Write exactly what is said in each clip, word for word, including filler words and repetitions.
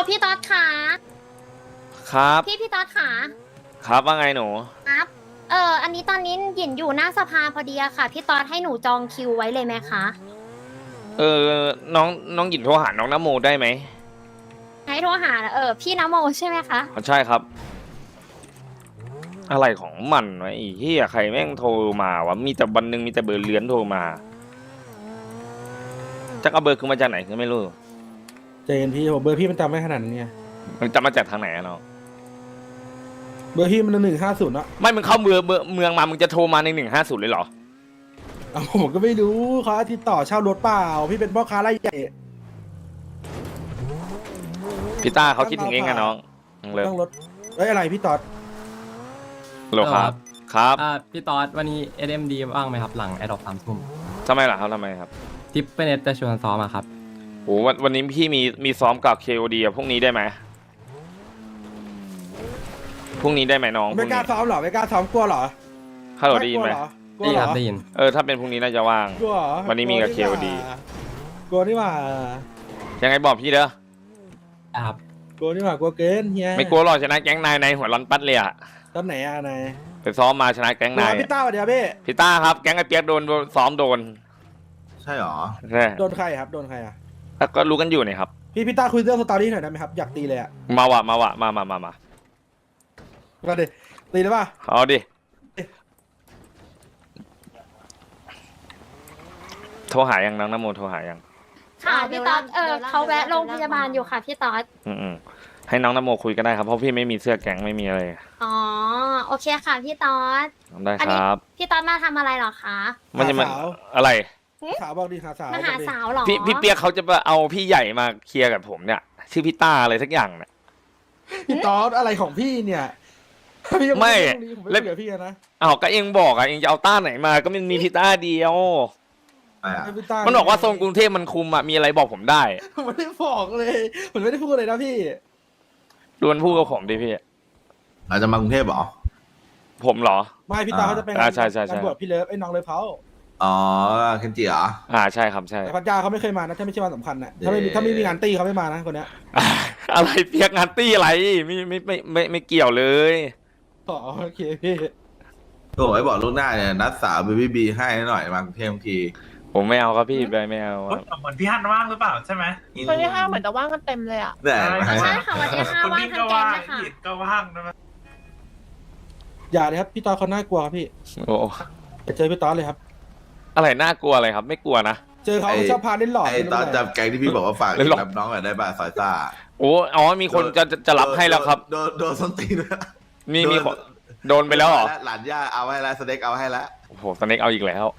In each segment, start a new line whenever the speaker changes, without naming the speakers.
พี่ต๊อดขา
ครับ
พี่พี่ต๊อดขา
ครับว่าไงหนู
ครับเอออันนี้ตอนนี้หยินอยู่หน้าสภาพอดีอะค่ะพี่ต๊อดให้หนูจองคิวไว้เลยไหมคะ
เออน้องน้องหยินโทรหาน้องนโมได้ไหม
ให้โทรหาเออพี่นโมใช่ไหมคะ
ใช่ครับอะไรของมันวะไอ้เหี้ยใครแม่งโทรมาวะมีแต่วันหนึ่งมีแต่เบอร์เลื้อนโทรมาจะเอาเบอร์คือมาจากไหนก็ไม่รู้
ใจเย็นพี่ผมเบอร์พี่มันจำไม่ขนาดนั้นไง
มันจะมาจากทางไหนอะน้อง
เบอร์พี่มันหนึ่งห้าศูนย์อะ
ไม่มึงเข้าเมืองเมืองมามึงจะโทรมาในหนึ่งห้าศูนย์เลยเหรอ
เอาผมก็ไม่รู้เขาติดต่อเช่ารถเปล่าพี่เป็นพ่อค้ารายใหญ่
พี่ต้าเขาคิดถึงเองไงน้องเลย
ต้องรถเอ้ยอะไรพี่ต๊อด
โลครับครับ
อ่าพี่ต๊อดวันนี้ เอส เอ็ม ดี ว่างไหมครับหลังแอดดอปสามทุ่ม
ทำไมล่ะครับทำไมครับ
ทิปเป็นเอสจะชวนซ้อมอะครับ
โอ้วันวันนี้พี่มีมีซ้อมกับ เค โอ ดี พรุ่งนี้ได้ไหมพรุ่งนี้ได้ไหมน้อง
ไม่กล้าซ้อมหรอไม่กล้าซ้อมกลัวหรอ
ฮัลโหลได้ยินไหม
ได้ยินครับได้ยิน
เออถ้าเป็นพรุ่งนี้น่าจะว่างวันนี้มีกับ เค โอ ดี
กลัวนี่หว่า
ยังไงบอกพี่เด้อ
ครับ
กลัวนี่หว่ากลัวเกินเฮีย
ไม่กลัวหรอกชนะแก๊งนายในหัวร้อนปัดเลยอะ
ตอนไหนอะนาย
ไปซ้อมมาชนะแก๊งนาย
พี่ต้าเดี๋ยวพี่
พี่ต้าครับแก๊งไอเปียกโดนซ้อมโดน
ใช่หรอ
ใช่
โดนใครครับโดนใครอะ
ก็รู้กันอยู่นี่ครับ
พี่พี่ต้าคุยเรื่องสตอรี่หน่อยได้ไหมครับอยากตีเลยอะ
มาวะมาวะมามามามา
มาดิตีได้ป่ะ
เอาดิโทรหายังน้องนโมโทรหายัง
ค่ะพี่ต๊อดเออเขาแวะโรงพยาบาลอยู่ค่ะพี่ต๊อด
อืมให้น้องนโมคุยก็ได้ครับเพราะพี่ไม่มีเสื้อแก๊งไม่มีอะไร
อ๋อโอเคค่ะพี่ต๊อด
ได้ครับ
พี่ต๊อดมาทำอะไรหรอคะ
มันจะมาอะไร
สาวบอกดีค่ะสาว
มาหาสาวหรอ
พี่พี่เปียกเขาจะมาเอาพี่ใหญ่มาเคลียร์กับผมเนี่ยชื่อพี่ต้าอะไรสักอย่างเนี่ย
พี่ต๊อดอะไรของพี่เนี่ย
ไม่
เล่นกับพี่นะ
อ้าวก็เองบอกอ่ะเองจะเอาต้าไหนมาก็มันมีพี่ต้าเดียวมันบอกว่าโซนกรุงเทพมันคุมอ่ะมีอะไรบอกผมได้
ผมไม่ได้บอกเลยผมไม่ได้พูดเลยนะพี่
ดวนพูดกับผมดิพี่
อาจจะมากรุงเทพหรอ
ผมเหรอ
ไม่พี่ตาเขาจะเป็น
อ่าใช่ใช่ใช่
บวชพี่เลิฟไอ้น้องเลิฟเขา
อ๋อเคนจิเหรอ
อ่าใช่ครับใช่
แต่พัทยาเขาไม่เคยมานะถ้าไม่ใช่วันสำคัญนะถ้าไม่ถ้าไม่มีงานตีเขาไม่มานะคนเนี้ย
อะไรเปียกงานตีอะไรไม่ไม่ไม่ไม่ไม่เกี่ยวเลย
อ๋อโอเคพี่
โอ้ยบอกลูกหน้าเนี่ยนัดสาวบีบีบีให้หน่อยมากรุงเทพที
ผมไม่เอาครับพี่ไปไม่เอา
เหมือนพี่ฮันว่างหรือเปล่าใช่ไหม
คนที่ห้าเหมือนจะว่างกันเต็มเลยอ่ะ
ใช่ค่ะวันที่ห้าว่างทั้งแก๊งเลยค่ะ
ก็ว่างนะ
อย่าเลยครับพี่ตอเขาน่ากลัวครับพี่
โอ้
เจอพี่ตอเลยครับ
อะไรน่ากลัวอะไรครับไม่กลัวนะ
เจอเขาชอบพาเล่นหลอด
ไอ้ตอนจำแก๊งที่พี่บอกว่าฝากรับน้องหน่อยได้ป่ะสายตา
โอ้อ๋อมีคนจะจะรับให้แล้วครับ
โดนโดนส้นตีน
มีมีคนโดนไปแล้วเหรอ
หลานย่าเอาให้แล้วสเน็กเอาให้แล้ว
โอ้โหสเน็กเอาอีกแล้ว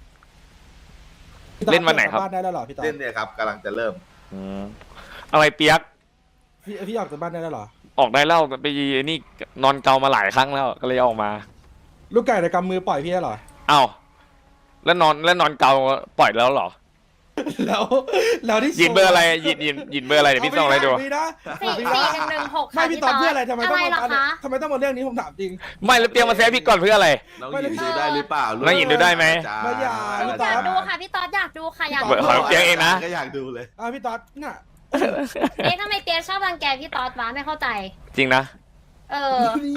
เล่นวันไหนครับ
บ้านได้แล้วหรอพี่ตอ
เล่นเนี่ยครับกำลังจะเริ่ม
อะไรเปียก
พี่พี่ออกจากบ้านได้แล้วหรอ
ออกได้แล้วไปนี่นอนเกามาหลายครั้งแล้วก็เลยออกมา
ลูกไก่ในกำมือปล่อยพี่ได้หรอ
อ้าวแล้วนอนแล้วนอนเกาปล่อยแล้วหรอ
แล้วแล้วที่
ยินเบอร์อะไรยินยินยินเบอร์อะไรเดี๋ยวพี่ส่งอะไรดู
สี่สี่หนึ่งหนึ่งหก
ไม่พี่ตอนเพื่ออะไรทำไมต้องมาทำไมต้องมาเรื่องนี้ผมถามจริง
ไม่แล้วเตรียมมาแซฟพี่ก่อนเพื่ออะไร
น้องยินดูได้หรือเปล่า
น้องยินดูได้ไหม
ไม่อยาก
อยากดูค่ะพี่ต๊อดอยากดูค่ะอยากดู
เปียกเองนะ
ก็อยากดูเลย
อ่าพี่ต๊อดน่ะ
เอ๊ะทำไมเปียกชอบรังแกพี่ต๊อดวะไม่เข้าใจ
จริงนะ
เออ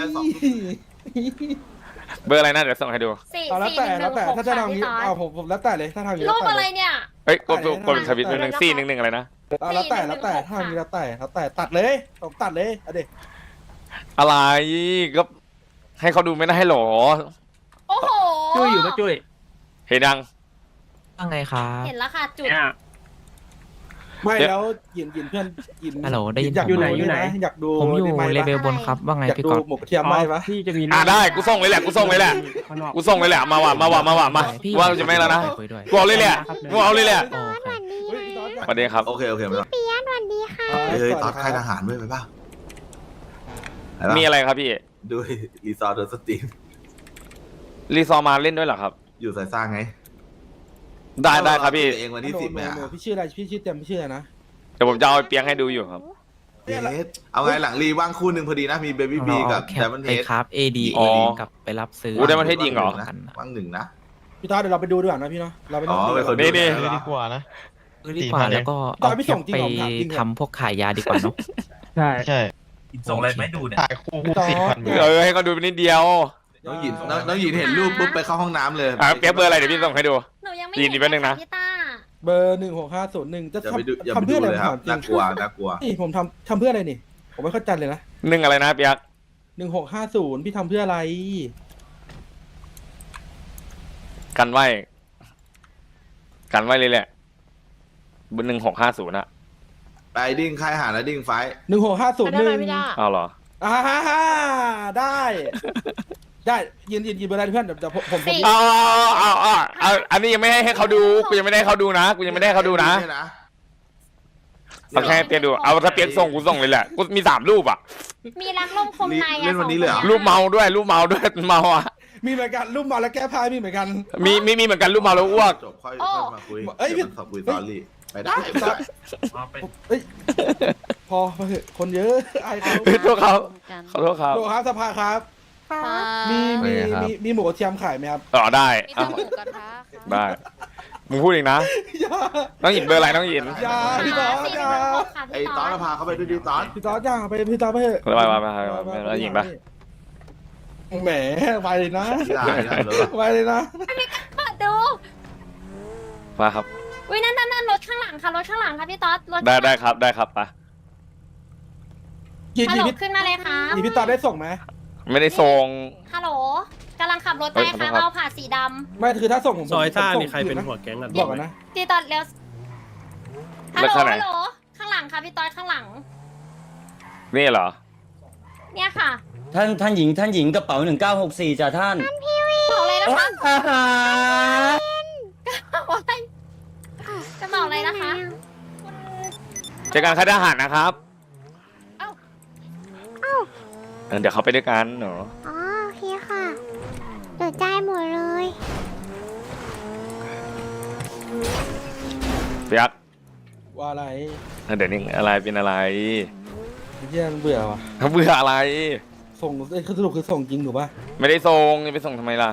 เบอร์อะไรนะเดี๋ยวส่งให้ดู
สี่
แล้วแต่แล้วแต่ถ้าจะทางนี้เอาผมผมแล้วแต่เลยถ้าทางนี้
รูปอะไรเนี่ย
เฮ้ยกดกดทวิตหนึ่งสี่หนึ่งหนึ่งอะไรนะ
แล้วแต่แล้วแต่ทางนี้แล้วแต่แล้วแต่ตัดเลยผมตัดเลยเอาดิ
อะไรก็ให้เขาดูไม่ได้ให้หรอ
โอ้โห
จุ้ยอยู่ปะจุ้ย
เห็นยัง
ว่าไงครับ
เห็นแล้วค่ะจุด
ไม่แล้วยินยินเพื่อนยิน
ฮัลโหลได้ยิน
อยากอยู่ไหนอยู่ไหนอยากดู
ผมอยู่เลเวลบนครับว่าไงพี่ก๊อฟ
หมกเทียมไหมวะ
พี่จะมีอ่าได้กูส่งเลยแหละกูส่งเลยแหละกูส่งเลยแหละมาว่ะมาว่ะมาว่ะมาว่าจะไม่แล้วนะกูเอาเลยแหละกูเอาเลยแหละสวัสดีครับ
โอเคโอเคไม่ต้อง
เปียสวัสดีค่ะ
เฮ้ยตอนค่ายทหารด้วยไปป่ะ
มีอะไรครับพี่
ดูรีซอร์โดนสตีม
รีซอร์มาเล่นด้วยเหรอครับ
อยู่สายสร้างไง
ได้ได้ครับพี่
เองวันที่สิบเนี่ย
พี่ชื่ออะไรพี่ชื่อเต็มพี่ชื่ออะไรนะ
เดี๋ยวผมจะเอาเปียงให้ดูอยู่ครับ
เอาไงหลังรีว่างคู่หนึ่งพอดีนะมีเบบี้บีกับไดมอนด์เฮด
ครับเอดีกับไปรับซื้อ
ไดมอนด์เฮดยิงเหรอ
ว่างหนึ่งนะ
พี่ตาเดี๋ยวเราไปดูดีกว่านะพี่เนาะเราไป
อ๋อไปคน
นี้
นี่
ดีกว่านะดีกว่าแล้วก็เอาไปทำพวกขายยาดีกว่าเนาะ
ใช่
ใช่
ส่งอะไรไม่ดูเนี่ย
ถ่ายคู่คู่สิบพัน
เออให้เขาดูไปนิดเดียว
น้องหยินน้องน้องหยินเห็นรูปปุ๊บไปเข้าห้องน้ำเลย
อ่ะเปียกเบอร์อะไรเดี๋ยวพี่ส่งให้ดู
หนูยังไม่
ยินดีแป๊บนึงนะ
พี่ต้า
เบอร์หนึ่งหกห้าศูนย์หนึ่งจะ
อย่าไปดูอย่า
ทำ
ไป
ทำ
ดู
เพื่ออะไร
เลย
ผม
ครับ
ถามจริ
น่าง กลัวน่ากลัว
นี่ผมทำทำเพื่ออะไรนี่ผมไม่เข้าใจเลยนะ
หนึ่งอะไรนะเปียก
หนึ่งหกห้าศูนย์พี่ทำเพื่ออะไร
กันไว้กันไว้เลยแหละเบอร์หนึ่งหกห้าศูนย์อะ
ไปดิ้งค่ายหาแล้วดิ้งไฟ
หนึ่งหกห้าศูนย์
ได้
ห
ไหม
นึ่ง
พี่ด้า
เอาเหรอ
อ่าฮ่าฮ่าได้ ได้ยินยินยินเบอร์อะไรเพื่อนเดี๋ยวเดี๋ยวผมผมผม
เอาเอาเอาเอาเอาอันนี้ยังไม่ให้ให้เขาดูกูยังไม่ได้ให้เขาดูนะกูยังไม่ได้ให้เขาดูนะเอาแค่ให้เปียกดูเอาถ้าเปียกส่งกูส่งเลยแหละกูมีสามรูปอะ
มีรักลมคมในอะ
เล่นวันนี้เลยเหรอ
รูปเมาด้วยรูปเมาด้วยเมาอะ
มีเหมือนกันรูปมาแล้วแก้ผ้ามีเหมือนกัน
มีมีมีเหมือนกันรูปเมาแล้วอ้วก
จบค่อยค่อยมาคุย
เอ้ยพี่
ดี๋วมาคุยตอรี่ไปได้ไปได้
เอาไป
เอ้ยพอมาเถอะคนเยอะไอ้เขา
เฮ้ยโทษเขาขอโทษครับ
โลครับสภาครับ มีมีมีมีหมูกระเทียมขายไหมครับ
อ๋อได้
มี
อ่ะ
แต่หมูกระทะค่ะ
ได้มึงพูดเองนะ
อย่า
น้องหยินเบอร์อะไรน้องหยิน
อย่าพี่ตอสอย่า
ไอ้ตอนพาเขาไปด้วยดิตอน
พี่ตอสอย่าไปพี่ตอสไปเถอะ
ไปไปไปไปไปแล้วหยินปะ
แหมไปเลยนะ
ได้ได้เลย
ไปเลยนะ
เปิดดู
มาครับ
วินั่นนั่นนั่นรถข้างหลังค่ะรถข้างหลังค่ะพี่ต๊อดรถ
ได้ได้ครับได้ครับปะ
ยิน
ฮัล
ดี
โหล
พี่
ขึ้นมาเลยค่ะ
ยินพี่ตอสได้ส่งไหม
ไม่ได้ส่ง
ฮัลโหลกำลังขับรถไป
เฮ้ยขอ
ค่ะ
โทษครับ
เอาผ่าสีด
ไม่คือถ้าส่งผม
ซอยซ่า
ผมส่ง
นี่ใครเป็น
คืะ
หัวแก๊งกัน
บอกกันนะ
ำพี่ต๊อดเร็วฮัล
แล้ว
โหล
ข้างไหน
ฮัลโหลข้างหลังค่ะพี่ต๊อดข้างหลัง
นี่เหรอ
เนี่ยค่ะ
ท่านท่านหญิงท่านหญิงกระเป๋าหนึ่งเก้าหกสี่จ้ะท่าน
บอกเลยนะคะ
อาหาร
บอกอะไรจะบอกเลยนะคะ
เจอกันค่ายทหารนะครับ
เอ้า
เออเดี๋ยวเขาไปด้วยกันเนาะ
อ๋อโอเคค่ะเดือดใจหมดเลย
เปียก
ว่าอะไร
เออเดี๋ยวนี้อะไรเป็นอะไร
เยี่ยเบื่อว่ะ
เขาเบื่ออะไร
ส่งเอ้ยคือสรุปคือส่งจริงถูกป่ะ
ไม่ได้ส่งจะไปส่งทำไมล่ะ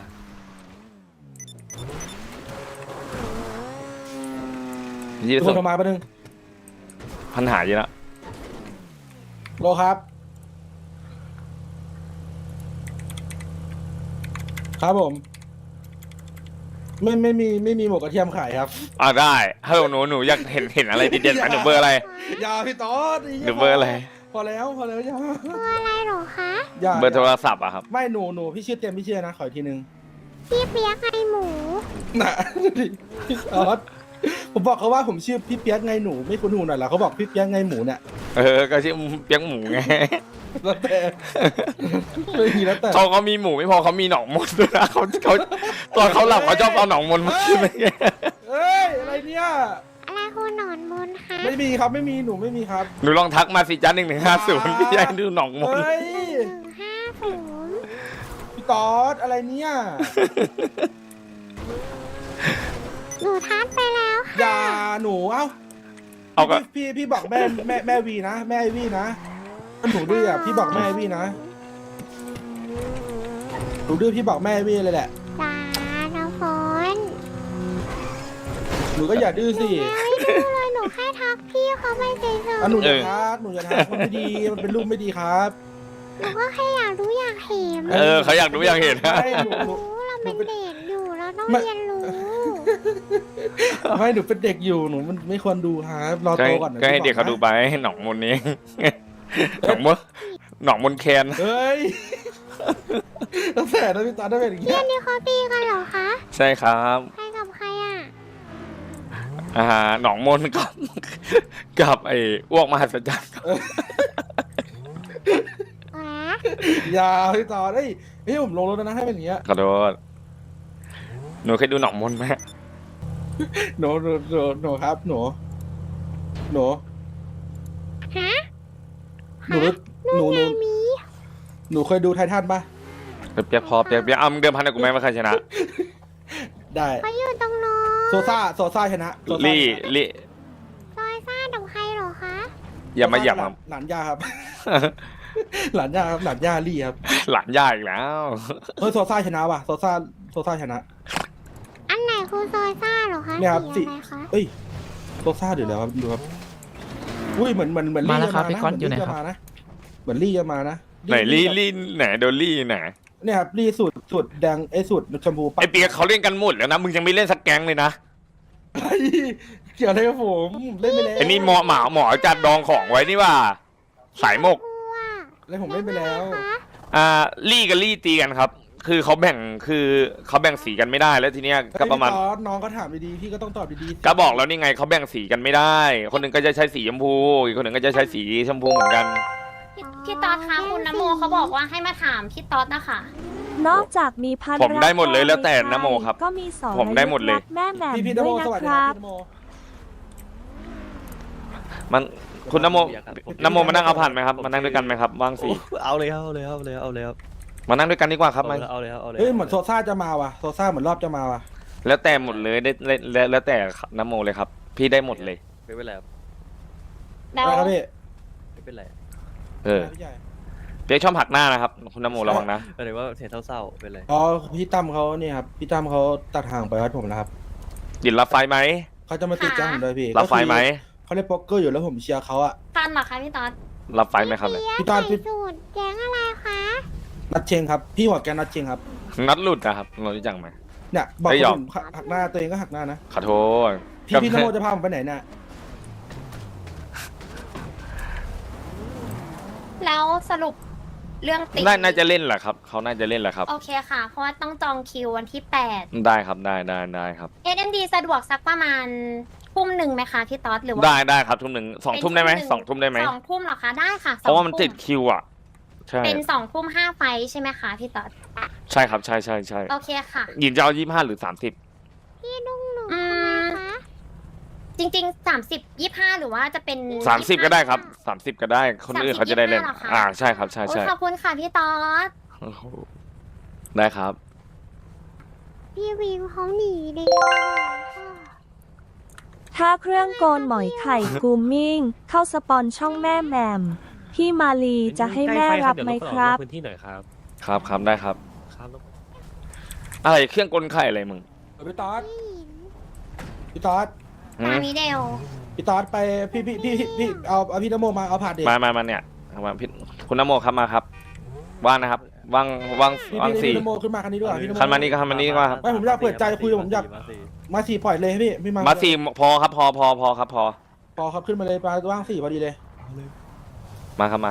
ยี่
โท
ส่
รง มาแป๊บนึง
ปัญหาเยอะละ
โลครับ ครับผม ไม่ไม่มีไม่มีหมูกระเทียมขายครับ
อ่าได้ฮัลโหลหนูหนูอยากเห็นเห็นอะไรเด่นๆไหมหนูเบอร์อะไร
อย่าพี่ตอส
หนูเบอร์อะไร
พอแล้วพอแล้วอย่า
ตัวอะไรเหรอคะ
อย่า
เบอร์โทรศัพท์อะครับ
ไม่หนูหนูพี่ชื่อเต็มพี่ชื่อนะขออีกทีนึง
พี่เปียกไอหมู
น่ะพี่ตอสผมบอกเขาว่าผมชื่อพี่เปียกไงหนูไม่คุ้นหูหน่อยเหรอเขาบอกพี่เปียกไงหมูเนี่ย
เออก็ชื่อเปียกหมูไง
แล้วแต่ไม่มีแล้วแต่
เขาเขามีหมูไม่พอเขามีหนองมนด้วยนะเขาเขาตอนเขาหลับเขาชอบเอาหนองมนมากินอะไรเงี้ย
เอ้ยอะไรเนี่ย
อะไรคุณหนอนมนคะ
ไม่มีครับไม่มีหนูไม่มีครับ
หนูลองทักมาสิจ้าหนึ่งหนึ่งห้าศูนย์พี่ยายดูหนองมน
เฮ้ย
หนึ่งห้าศูนย์
พี่ตอสอะไรเนี่ย
หนูทัดไปแล้ว
อย่าหนูเอ้า
เอาก็
พี่พี่พี่บอกแม่แม่แม่วีนะแม่ไอวีนะหนูดื้ออ่ะพี่บอกแม่ไอวีนะหนูดื้อพี่บอกแม่ไอวีเลยแหละ
จ้าน้ำฝน
หนูก็อย่าดื้อสิ
ไม่ดูเลยหนูแค่ทักพี่เขาไปเฉย
อ่ะหนูอย่าทักหนูอย่าทักมันไม่ดีมันเป็นรูปไม่ดีครับ
ๆหนูก็แค่อยากรู้อยากเห็น
เออเขาอยากดูอยากเห็นนะ
ไม่หนูหนู
รู้เราเป็นเด็กอยู่เราต้อง
ไม่
เรียนรู้
ไม่หนูเป็นเด็กอยู่หนูมันไม่ควรดูครับรอ
ก็
โต
ให้
ก่อนนะ
ก็ให้
พี่
เด็กเขา
บอ
ดู
นะ
ไปให้หนองมนนี้ หนองมนหนองมนแคน
เฮ้ยแล้วแต่นะพี่ตาได้เป็นอย่างเงี้
เพื่
ย
อนนี่เขาตีกันเหรอคะ
ใช่ครับ
ใครกับใครอ่ะ
อ่าหนองมนกับ กับไอ้อ้วกมหัศจรรย์ครับ
แหม
อย่าพี่ตาเอ้ยเฮ้ยผมลงรถแล้วนะให้เป็นอย่างเงี้ย
ขอโทษหนูเคยดูหนองมนไหม
หนูหนูหนูหนูครับหนูหนู
ฮะ
หนูหนูหนู
มี
หนูเคยดูไททันปะ
เปียกพอเปียกเปียกเอามึงเดิมพันกับกูไหมว่าใครชนะ
ได้
เขาอยู่ตรงโน้น
โซซ่าโซซ่าชนะโซซ่า
ลี่
ชนะ
ลี่
ซอยซ่ากับใครเหรอคะ
อย่ามาหยับ
หล
ครับ
หลานย่าครับ หลานย่าครับหลานย่าลี่ครับ
หลานย่าอีกแล้ว
เฮ้ยโซซ่าชนะว่ะโซซ่าโซซ่าชนะ
อันไหนคือซอยซ่าเหรอคะ
เนี่ยครับ
สี
สี
อะไรคะ
เอ้ยโซซ่าเดี๋ยวเดี๋ยวครับดูครับอุ้ยเหมือนเหมือนเหมือน
มา
ลี่
แล้ว
จะ
ครับ
มา
พี่
นะ
ก๊อต
เห
อยู่
มือน
ไหน
ลี่
ค
จะ
รับ
มานะเหมือนลี่จะมานะ
ไหนลี่ลี่ไหนโดนลี่ไหน
เนี่ยครับลี่สูตรสูตรแดงไอ้สูตรชมพูปะ
ไอเปียกเขาเล่นกันหมดแล้วนะมึงยังไม่เล่นสักแก๊งเลยนะ
ไอ้เกี่ยวอะไรกับผมเล่นไปแล้ว
ไอนี่หมอหมาหมอจัดดองของไว้นี่ว่าสายหมก
เล่นผมเล่นไปแล้ว
อ่าลี่กับลี่ตีกันครับ คือเขาแบ่งคือเขาแบ่งสีกันไม่ได้แล้วทีเนี้ยก็ประมาณ
เฮ้ยพี่ต๊อดน้องก็ถามดีๆพี่ก็ต้องตอบดีๆ
ก็บอกแล้วนี่ไงเขาแบ่งสีกันไม่ได้ คนหนึ่งก็จะใช้สีชมพูอีกคนหนึ่งก็จะใช้สีชมพูเหมือนกัน
พี่พี่ต๊อดคะคุณนโมเขาบอกว่าให้มาถามพี่ต๊อดนะคะ
นอกจากมีพัน
ผมได้หมดเลยแล้วแต่นะโมครับ
ก็มีสอง
ผมได้หมดเลย
แม่แหม่ม
พี่พี่น
ด้
โม
วย
ส
นะ
วัส
ค
ดีค
รั
รับบ พี่นโม
มันคุณนโมนโมมานั่งเอาผ่านไหมครับมานั่งด้วยกันไหมครับว่างสี
เอาเลยครับเอาเลยครับเอาเลยเอาเลยครับ
มานั่งด้วยกันดีกว่าครับมา
เอาเลยครับเอาเลย
เฮ้ยเหมือนโซซ่าจะมาว่ะโซซ่าเหมือนรอบจะมาว่ะ
แล้วแต่หมดเลยได้แล้วแล้วแล้วแต่นโมเลยครับ พี่ได้หมดเลย
ไม่เป็นไรครับ
แล้ว
อะไรครับพี่
ไม่เป็นไร
เออ
พี่ใหญ่
เปียกชอบหักหน้านะครับคุณนโมระวังนะ
หมายถึงว่าเสียงเศร้าๆเป็นไร
อ๋อพี่ตั้มเขาเนี่ยครับพี่ตั้มเขาตัดห่างไปวัดผมแล้วครับ
ยินรับไฟไหม
เขาจะมาติดจ้างผมด้วยพี่
รับไฟไหม
เขาเล่นโป๊กเกอร์อยู่แล้วผมเชียร์เขาอะ
ทันเหรอคะพี่ต๊อด
รับไฟไหมครับเนี่ย
พี่ต๊อดพี่
สูตรแก๊งอะไรคะ
นัดเชงครับพี่หัวแกนนัดเชงครับ
นัดหลุดนะครับเรารู้จักไหม
เนี่ยบอก
ไม่ยอม
ผมหักหน้าตัวเองก็หักหน้านะ
ขอโทษ
พี่พี่นโมจะพาผมไปไหนเนี่ย
แล้วสรุปเรื่องตี
น่าน่าจะเล่นแหละครับเขาน่าจะเล่นแหละครับ
โอเคค่ะ เพราะว่าต้องจองคิววันที่แปด
ได้ครับได้ได้ได้ครับ
เอ็มดีสะดวกสักประมาณทุ่มหนึ่งไหมคะพี่ต๊อดหรือว่า
ได้ได้ครับทุ่มหนึ่งสองทุ่มได้ไหมสองทุ่มได้ไหม
สองทุ่มเหรอคะได้ค่ะ
เพราะว่ามัน
สอง
ติดคิวอ่ะใช่
เป็นสองทุ่มห้าไฟใช่ไหมคะพี่ต๊อด
ใช่ครับใช่ใช่ใช่
โอเคค่ะ
หยินจะเอายี่ห้าหรือสามสิบ
พี่นุ่งหนู
อื
ทำไม
ม
คะ
จริงๆสามสิบยี่ห้าหรือว่าจะเป็น
สามสิบก็ได้ครับสามสิบก็ได้คนอื่นเขาจะได้เล่น
สามสิบยี่สิบห้าเหรอคะ
อ่าใช่ครับใช่
โอ้ย
ใช่
ขอบคุณค่ะพี่ต๊อด
โอ้โหได้ครับ
พี่วิวเขาหนีเลย
ถ้าเครื่องโกนหมอยไข่กูมิ่ง เข้าสปอนช่องแม่แหม่มพี่มาลีจะให้แม่รับไหมครับ
พื้นที่หน่อยครับ
ครับครับได้ครับ
ครับ
อะไรเครื่องกลไข่อะไรมึง
เออพี่ต๊อดพี่ต๊อด
หื
มาม มิเดล
พี่ต๊อดไปพี่พี่พี่พี่พี่เอาเอาพี่นโมมาเอาผ่าเด็ก
มามามาเนี่ยเอามาพี่คุณนโมครับมาครับว่างนะครับว่างว่าง
พี่
ว่าง
พี่
สี่
พี่นโมขึ้นมาคันนี้ด้วยพี่นโม
คันมานี่ก็คันมานี่ดีกว่าครับ
ไม่ผมอยากเปิดใจคุยผมอยากมาสี่ปล่อยเลยพี่พี่มา
มาสี่พอครับพอพอพอครับพอ
พอครับขึ้นมาเลยมาว่างสี่พอดีเลย
มาครับมา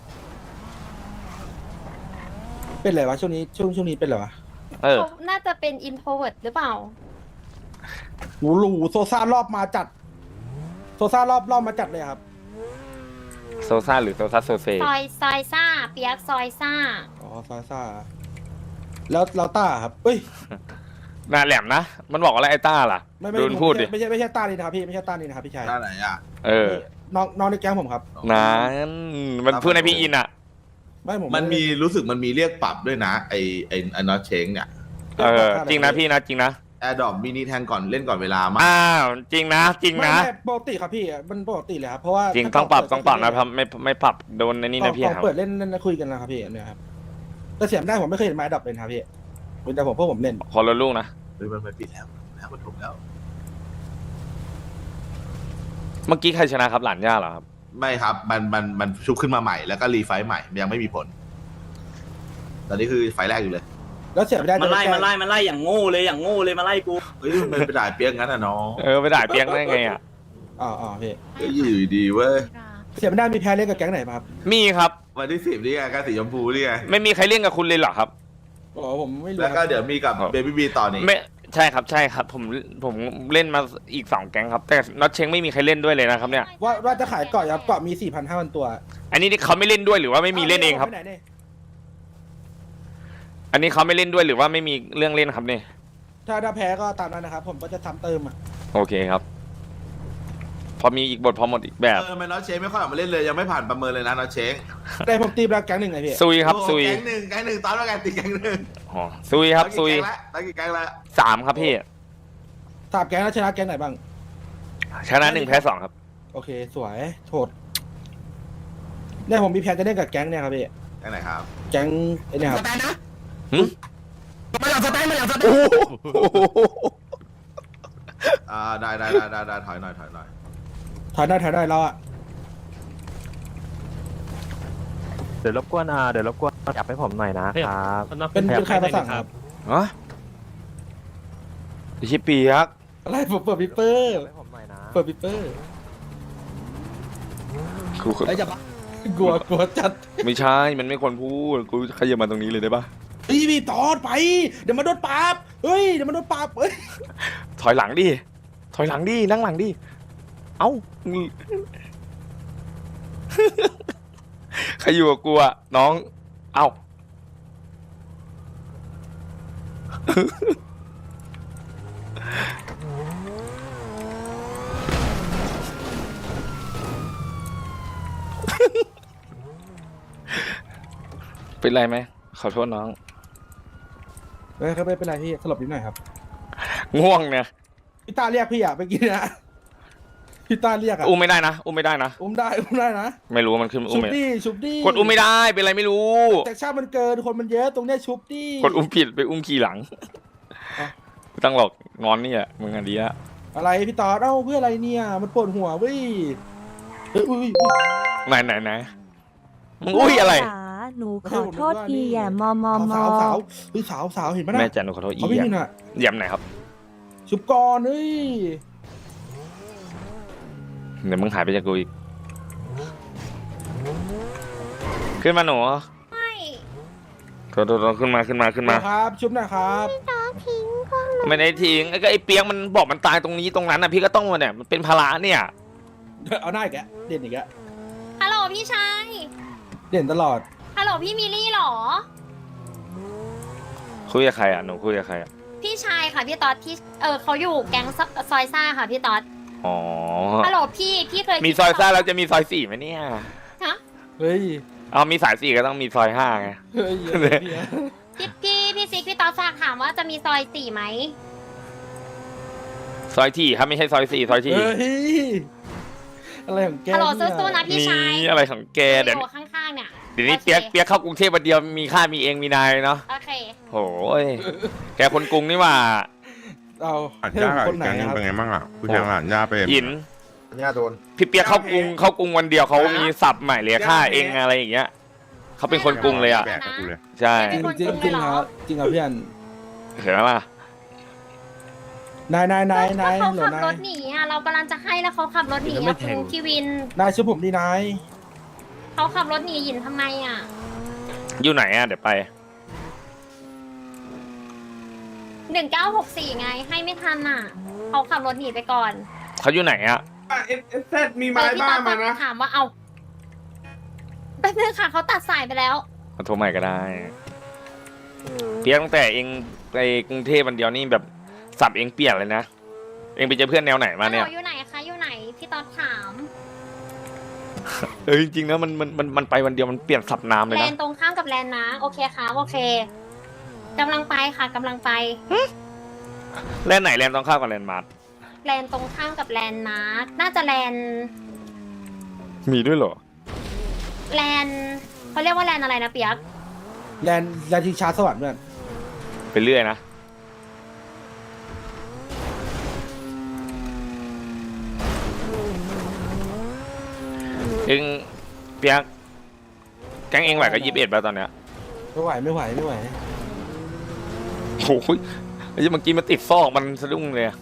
เป็นไรวะช่วงนี้ช่วงช่วงนี้เป็นไรวะ
เออ
เขาน่าจะเป็นอินโทรเวิร์ดหรือเปล่า
หูหลูโซซ่ารอบมาจัด โซซ่ารอบรอบมาจัดเลยครับ
โซซ่าหรือโซซ่าโซเซ
ซอยซอยซ่า เปียกซอยซ่า
อ๋อซาซ่าแล้วเราต้าครับเอ้ย
น่าแหลมนะ มันบอกอะไรไอ้ต้าล่ะ
ไม่ไม่
ดูมันพูดดิ
ไม่ใช่ไม่ใช่ต้านี่นะครับพี่ไม่ใช่ต้านี่นะครับพี่ชาย
หน้าไหนอ่ะ
เออ
น้องน้องในแก๊งผมครับ
นั้นมันพูดในพี่อินอ่ะ
ไม่ผม
มันมีรู้สึกมันมีเรียกปรับด้วยนะไอไอไอนอตเชงเนี่ย
เออ จริงนะพี่นะจริงนะ
แอร์ดรอปมินิแทงก่อนเล่นก่อนเวลามาก
อ้าวจริงนะ จริง
ไม่
นะ
ไม่ปกติครับพี่มันปกติเลยครับเพราะว่า
จริงต้องปรับต้องปรับนะครับไม่ไม่ปรับโดนในนี่นะพี่
กล่อง
ครับ
เปิดเล่นเล่นคุยกันนะครับพี่เนี่ยครับแต่เสียงได้ผมไม่เคยเห็นไม้ดับเลยนะครับพี่เป็นแต่ผมพวกผมเล่น
ขอรถลูกนะ
เฮ้ยมันไปปิดแล้วแล้วมันถูกแล้ว
เมื่อกี้ใครชนะครับหลานย่าเหรอครับ
ไม่ครับมันมันมันชุบขึ้นมาใหม่แล้วก็รีไฟท์ใหม่ยังไม่มีผล ตอนนี้คือไฟล์แรกอยู่เลย
แล้วเสียไม่ได้
มันไล่
จะ
มันไล่มันไล่อย่างโง่เลยอย่างโง่เลยมาไล่กู
เฮ้ยมันไปด่าเปียกงั้นอ่ะน้อง
เออไปด่าเปียกได้ไงอ่ะ
อ๋ออ๋อพี่
เฮ้ยอยู่ดีเว้ย
เสียไม่ได้มีแพ้เล่นกับแก๊งไหนมาครับ
มีครับ
วันที่สิบนี่ไงการสีชมพูนี่ไง
ไม่มีใครเล่นกับคุณเลยเหรอครับ
อ๋อผมไม่รู้
แล้วก็
ครับ
เดี๋ยวมีกับ
ครับ
เบบี้บีต่อนี่
ไม่ใช่ครับใช่ครับ ผมผมเล่นมาอีกสองแก๊งครับ แต่น็อตเชงไม่มีใครเล่นด้วยเลยนะครับเนี่ย
ว่าว่าจะขายเกาะครับเกาะมีสี่พันห้าพันตัว
อันนี้เขาไม่เล่นด้วยหรือว่าไม่มีเล่นเองครับ
าไปไหนเนี่ย
อันนี้เขาไม่เล่นด้วยหรือว่าไม่มีเรื่องเล่นครับเนี่ย
ถ้าถ้าแพ้ก็ตามนั้นนะครับ ผมก็จะทำเติมอ่ะ
โอเคครับ พอมีอีกบทพอหมดอีกแบบ
เออมันน็อตเชงไม่ค่อยออกมาเล่นเลยยังไม่ผ่านประเมินเลยนะน็อตเชง
แต่ผมตีไปแล้วแก๊งหนึ่งไงพี่
ซุยครับ
โอ้โห
ซุย
แก๊งหนึ่งแก๊งหนึ่งตอนแล้วกันตีแก๊งหนึ่ง
อ๋อซุยครับซุย
ตอนกี่แก๊งแล้ว
สามครับพี่
สามแก๊งแล้วชนะแก๊งไหนบ้าง
ชนะหนึ่งแพ้สองครับ
โอเคสวยโทษเนี่ยผมมีแผนจะเล่นกับแก๊งเนี่ยครับพี่
แก๊งไหนครับ
แก๊งไอ้เนี่ยครับ
หึโอ้โห
อ่าได้ได้ได้ได้ได้ถอยหน่อยถอยหน่อย
ถอยได้ถอยได้เราอ่ะ
เดี๋ยวรบกวนอ่าเดี๋ยวรบกวนจับให้ผมหน่อยนะครับ
เป็นเป็นใครมาสั่งครับ
ฮะไอ้ชิปเปียก
อะไรผมเปิดปิปเปอร์
ให้ผมหน่อยนะ
เปิดปิปเปอร์
กู
ไอ้ยอย่าบ้า กลัวกลัวจัด
ไม่ใช่ มันไม่ควรพูด กูขยับมาตรงนี้เลยได้ปะ
เฮ้ยพี่ตอดไป เดี๋ยวมาโดนปราบเฮ้ยเดี๋ยวมาโดนปราบเฮ้ย
ถอยหลังดิ ถอยหลังดิ นั่งหลังดิ เอ้า ใครอยู่กับกูอะน้อง เอ้า เป็นไรไหม ขอโทษน้อง
เฮ้ยครับไม่เป็นไรพี่สลบนิดหน่อยครับ
ง่วงเนี่ย
พี่ตาเรียกพี่อะไปกินนะพี่ตาเรียกอะ
อุ้มไม่ได้นะ อุ้มไม่ได้นะ
อุ้มได้อุ้มได้นะ
ไม่รู้ว่ามันขึ้นอุ้
ชุ
ม
บ
ไม่
ดิชุบดิ
กดอุ้มไม่ได้ เป็นไรไม่รู้
แต่ชาติมันเกินคนมันเยอะตรงเนี้ยชุบดิ
กดอุ้มผิดไปอุ้มขี่หลัง
อ่ะ
ไม่ต้องหรอกงอนนี่แหละมึงอันดีอะ
อะไรพี่ตอดเอ้าเพื่ออะไรเนี่ยมันปวดหัวเว้ยเฮ้ยอุ้ยอุ้ย
ไหนไหนไหนมึงอุ้ยอะไร
จ๋าหนูขอโทษทีแย่มอมอมอ
สาวสาวเฮ้ยสาวสาวเห็นไหมนะ
แม่จันหนูขอโทษอี
เขาไม่
แย
มี
ม
น่ะ
แยมไหนครับ
ชุบก่อนเฮ้ย
เดี๋ยวมึงหายไปจากกูอีก ขึ้นมาหนู
ไม่
โทษโทษโทษขึ้นมาขึ้นมาขึ้นมา
ครับ ชุบหนะครับ
ตอทิ้งพวกหนู
ไม่ได้ทิ้งไอ้ก็ไอ้เปียกมันบอกมันตายตรงนี้ตรงนั้นนะพี่ก็ต้องมาเนี่ยมันเป็นภาระเนี่ย
เอาหน้าอีกแกะเด่นอีกแกะ
ฮัลโหลพี่ชาย
เด่นตลอด
ฮัลโหลพี่มิลลี่เหรอ
คุยกับใครอ่ะหนูคุยกับใครอ่ะ
พี่ชายค่ะพี่ต๊อดที่เออเขาอยู่แก๊งซซอยซ่าค่ะพี่ต๊อด
อ๋อ
ฮัลโหลพี่พี่เคย
มีซอยซ่าแล้วจะมีซอยสี่ไหมเนี่ย
ฮะ
เฮ้ย
เอามีสายสี่ก็ต้องมีซอยห้าไง
เฮ้ยอย่าเลยพี่
พี่พี่พี่ซิกพี่ต๊อดฝากถามว่าจะมีซอยสี่ไหม
ซอยที่ครับไม่ใช่ซอยสี่ซอยที่
เฮ้ยอะไรของแก
ฮัลโหล
เนี่ย
สู้ๆนะพี่ชาย
นี่อะไรของแกเดี๋ยว
อยู่ข้างๆเนี่ย
เดี๋ยวนี้
โอเค
เปียกเปียกเข้ากรุงเทพวันเดียวมีค่ามีเองมีนายเนาะ
โอเค
โหยแกคนกรุงนี่หว่า
เอา
หลาน
ให้
ย่า
ผมคนไหน
แกง
ครับ
เป็นไงบ้างอ่ะคุณยังหลานย่าเป็น
หิน
ย่าโดน
พี่เปียกเข้ากรุงเข้ากรุงวันเดียวเขามีศัพท์ใหม่เลยค่าเองอะไรอย่างเงี้ยเขาเป็นคนกรุงเลยอ่ะ
แบกกับกูเลย
ใช่
จริงจริงจริงครับจริงครับพี่อัน
เห็นไหมล่ะ
นายนายนายนาย
เขา
หล
ขับ
นาร ย
ถหนีอ่ะเรากำลังจะให้แล้วเขาขับรถหนีอ่ะคุณพี่วิน
นายช่วยผมดีนาย
เขาขับรถหนีหยินทำไมอ่ะ
อยู่ไหนอ่ะเดี๋ยวไป
หนึ่งเก้าหกสี่ไงให้ไม่ทันอ่ะเขาขับรถหนีไปก่อน
เขาอยู่ไหนอ่ะ
เอสเอสเซมี
เอ
ไม้
อพี่
บ้า
ต๊อด
มานะ
ถามว่าเอาแป๊บนึงค่ะเขาตัดสายไปแล้ว
มาโทรใหม่ก็ได้เปียกตั้งแต่เองไปกรุงเทพวันเดียวนี่แบบสับเองเปลี่ยนเลยนะเองไปเจอเพื่อนแนวไหนมาเนี่ย
ฮัลโหลอยู่ไหนคะอยู่ไหนพี่ต๊อดถาม
เออจริงๆนะมันมันมันมันไปวันเดียวมันเปลี่ยนสับน้ำเลย
แล
นะ
นตรงข้ามกับแลนนะโอเคค่ะโอเคกำลังไปค่ะกำลังไป
แลนไหนแลนต้องเข้ากับแลนมาร์ท
แลนตรงข้ามกับแลนนะน่าจะแลน
มีด้วยเหรอ
แลนเขาเรียกว่าแลนอะไรนะเปียก
แลนแลนทิงชาสวรรค์เพื่อน
ไปเรื่อยนะเองเปียกแก๊งเองไหวกับยี่สิบเอ็ดป่ะตอนเนี้ย
ไม่ไหวไม่ไหวไม่ไหว
โอ้ยไอ้เมื่อกี้มันติดซอกมันสะดุ้งเลยอะ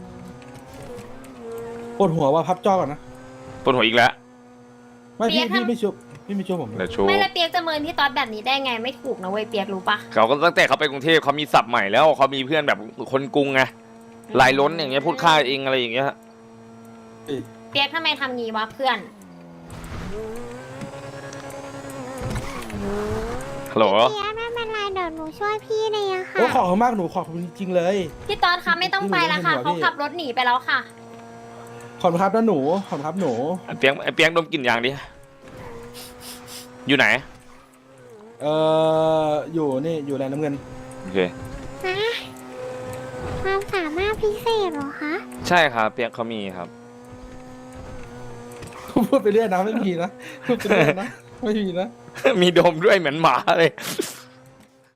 ปวดหัวว่าพับจอก่อนนะ
ปวดหัวอีกแล้ว
ไม่พี่พี่ไม่ชุบพี่ไม่ชุบผม
เดี๋ยวโชว์
ไม่และเปียกจะเมินพี่ต๊อดแบบนี้ได้ไงไม่ถูกนะเว้ยเปียกรู้ปะ
เขาก็ตั้งแต่เขาไปกรุงเทพเขามีศัพท์ใหม่แล้วเขามีเพื่อนแบบคนกรุงไงลายล้นอย่างเงี้ยพูดค่าเองอะไรอย่างเงี้ย
เปียกทำไมทำงี้วะเพื่อน
ฮัลโหล
เปียกไม่เป็นไรเดี๋ยวหนูช่วยพี่เลยอะค่ะ
โอ้ขอบคุณมากหนูขอบคุณจริงๆเลย
พี่ต๊อดคะไม่ต้องไปแล้วค่ะเขาขับรถหนีไปแล้วค่ะ
ขอบคุณครับนะหนูขอบคุณครับหนู
ไอ้เปียงไอ้เปียงดมกลิ่นยางดิอยู่ไหน
เอ่ออยู่นี่อยู่แลนน้ำเงิน
โอเค
นะความสามารถพิเศษเหรอคะ
ใช่ครับเปียกเขามีครับ
พูดไปเรื่อยนะไม่มีนะพูดไปเรื่อยนะไม่มีนะ
มีดมด้วยเหมือนหมาเลย